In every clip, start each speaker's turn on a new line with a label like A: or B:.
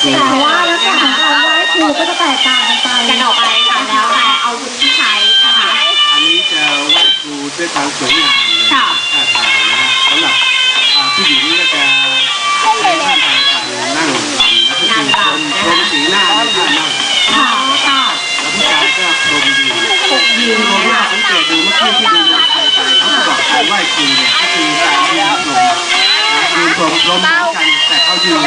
A: ครูแต่ว่าลักษณะของการไหว้ครูก็จะแตกต่างกันออกไป
B: ค่ะแล้วแต่อาวุธที่ใช้นะคะ
C: อันนี้จะไหว้ครูด้วยความสวยงามเลยท่าทางนะฮะสำหรับผู้หญิงก็จะใช้ท่าทางการนั่งรำแล้วก็คือพรมสีหน้าในท่านั่งแล้วผู้ชายก็พรมยืนผมว่าสังเกตดูเมื่อกี้ที่ดูมวยไทยไปเขาก็บอกการไหว้ครูเนี่ยก็คือการยืนพรมเหมือนกันแต่เขายืน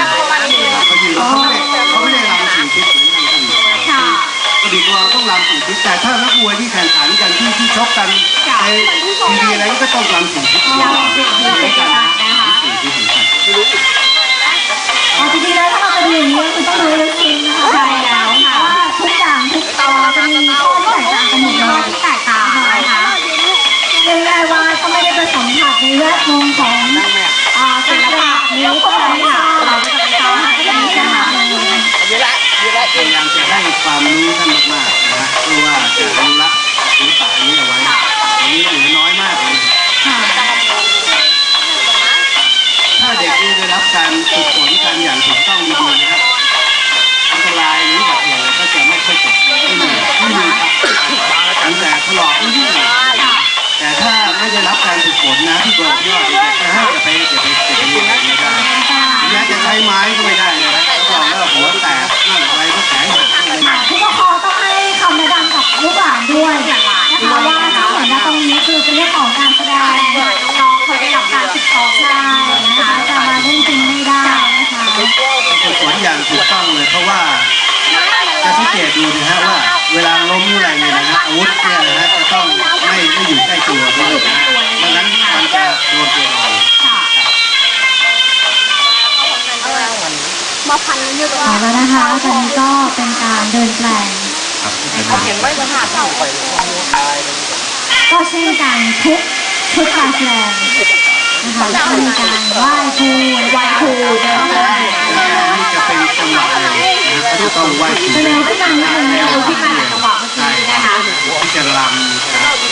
C: เขาไม่ได้รำสี่ทิศเหมือนกันคนอื่นกระดิ่งเราต้องรำสี่ทิศแต่ถ้านักมวยที่แข่งขันกันที่ชกกันในทีวีอะไรก็ต้องรำสี่ทิศเหมือนกันสี่ทิศเหมือนกัน
A: จริงๆแล้วถ้าเราจะดูอย่างนี้คือต้องดูลึกซึ้งนะคะใช่แล้วค่ะว่าทุกอย่างทุกตอนจะมีข้อที่แตกต่างกันหมดเลย
B: ที่แตกต่างนะคะ
A: ยังไงว่าก็ไม่ได้ไปสัมผัสในแวดวงของ
B: ศิลปะนี้ก็เลยค่ะเราก็จะไปต่อให้ได้นะคะ
C: พยายามจะให้ความรู้ท่านมากๆนะฮะเพื่อว่าจะอนุรักษ์ศิลปะนี้เอาไว้อันนี้เหลือน้อยมากเลยถ้าเด็กได้รับการฝึกฝนกันอย่างถูกต้องดีๆนะครับอันตรายหรืออุบัติเหตุก็จะไม่ค่อยเกิดไม่มีครับตั้งแต่ถลอกนิดๆแต่ถ้าไม่ได้รับการฝึกฝนนะที่บอกที่ว่าเด็กจะให้อย่าไปเรียนอะไรไม่ได้แม้จะใช้ไม้ก็ไม่ได้นะบอกว่าหัวแตกนั่นอะไรก็แข็ง
A: ผู้ปกครองต้องให้คำแนะนำกับลูกหลานด้วยนะคะว่าทั้งหมดนะตรงนี้คือเป็นเรื่องของการแสดง
B: น้องเคยได้รับการฝึกซ้อม
A: ใช่นะคะจะมาเล่นจริงไม่ได้นะคะ
C: ฝึกฝนอย่างถูกต้องเลยเพราะว่าจะสังเกตดูนะฮะว่าเวลาล้มอะไรเนี่ยนะฮะอาวุธเนี่ยนะฮะจะต้องไม่อยู่ใกล้ตัวด้วยนะดังนั้นมันจะโดนตัวเรา
A: เอาแล้วนะคะตอนนี้ก็เป็นการเดินแปลงก็เช่นกันทุกการแสดงนะคะจะมีการไหว้ครูเดินแปลง
C: นี่จะเป็นจังหวะเลยนะจะต้องไหว้ครู
A: เร็วขึ้นมานิดนึงเร็วขึ้นมาจากจังหวะเมื่อกี้นะคะ
C: ที่จะรำ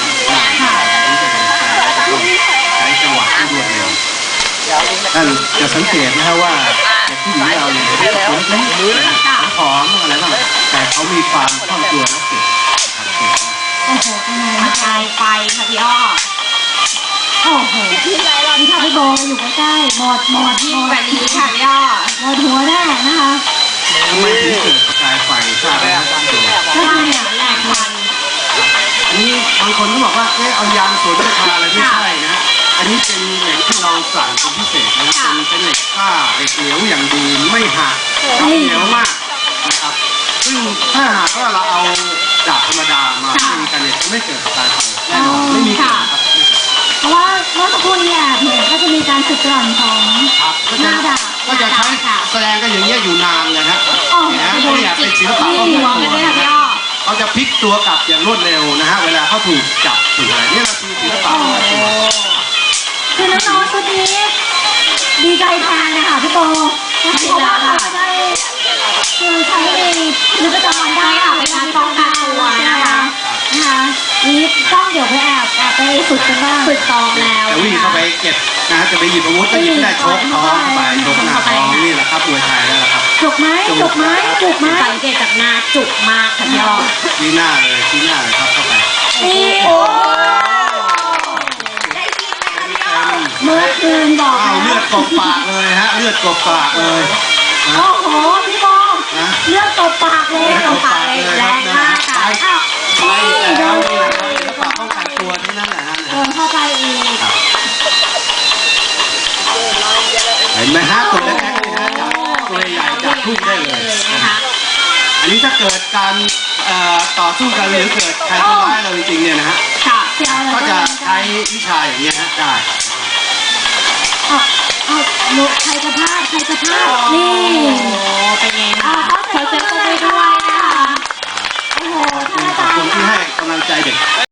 C: ใช้จังหวะที่รวดเร็วท่านจะสังเกตนะครับว่าเด็กผู้หญิงเราเนี่ยผมเล็กผอมอะไรบ้างแต่เขามีความคล่องตัวและเก่ง
A: โอ้โหเป็นไง
B: ประกายไฟค่ะพี่อ้อ
A: โอ้โหนี่ค่ะพี่โบอยู่ใกล้ๆหมด
B: แบบนี้ค่ะพี่อ้อ
A: หมดหัวแน่นะคะ
C: ทำไมถึงเกิดประกายไฟทราบไหมครับตัว
A: ก็คือเนี่ย
B: แหลกมัน
C: อันนี้บางคนก็บอกว่าเอายางสวนไปทาอะไรไม่ใช่นะอันนี้เป็นเหล็กที่เราสั่งเป็นพิเศษนะเป็นเหล็กผ้าเหล็กเหนียวอย่างดีไม่หักเหนียวมากนะครับซึ่งถ้าหากว่าเราเอาดาบธรรมดามาตีกันเนี่ยไม่เกิดประกายไฟแน่นอนไม่มีเกิดครับ
A: เพราะว่าเมื่อสักครู่นี้เห็นก็จะมีการสึกกร่อนของหน้าดาบ
C: ก็จะใช้แสดงกันอย่างเงี้ยอยู่นานเลยนะเนี่ยเป็นศิลปะของตัวเขาจะพลิกตัวกลับอย่างรวดเร็วนะฮะเวลาเขาถูกจับถูกอะไรนี่เราคือศิลปะของตัว
A: คือน้องๆชุดนี้ดีใจแทนนะคะพี่โบเพราะว่าเขาได้คือใช้ในชีวิตประจำวันได้ค่ะเป็นการป้องกันตัวนะคะนี่ต้องเดี๋ยวไปแอบไปฝึกกันบ้างฝึกซ้อมแล้ว
C: จะวิ่งเข้าไปเก็บนะจะไปหยิบอาวุธก็หยิบได้ชกท้องไปชกหน้าท้องนี่แหละครับมวยไทยแล้วครับ
A: จุกไหม
B: สังเกตจากหน้าจุกมากค่ะพี่อ้อ
C: ชี้หน้าเลยครับเข้าไป
A: นี่โอ้เมื่อคืนบอก
C: เลือดกบปากเลยฮะเลือดกบปากเลย
A: โอ้โหพี่บอลเลือดกบปากเลย
B: แรงมากค่ะ
C: นี่โดนศิลปะป้องกันตัวเท่านั้นแหละฮะ
A: เข้าใจอีก
C: เห็นไหมฮะตัวเล็กๆนี่ฮะจับตัวใหญ่จับทุ่งได้เลยนะคะอันนี้ถ้าเกิดการต่อสู้กันหรือเกิดใครทำร้ายเราจริงๆเนี่ยนะฮะก็จะใช้วิชาอย่างนี้ฮะได้
A: ใครจะพลาดนี่
B: เป็นไงคะขอเซ็นตัวไปด้วยนะคะ
A: โอ้โหท่านอา
C: จารย์
A: ขอบคุณ
C: ที่ให้กำลังใจเด็ก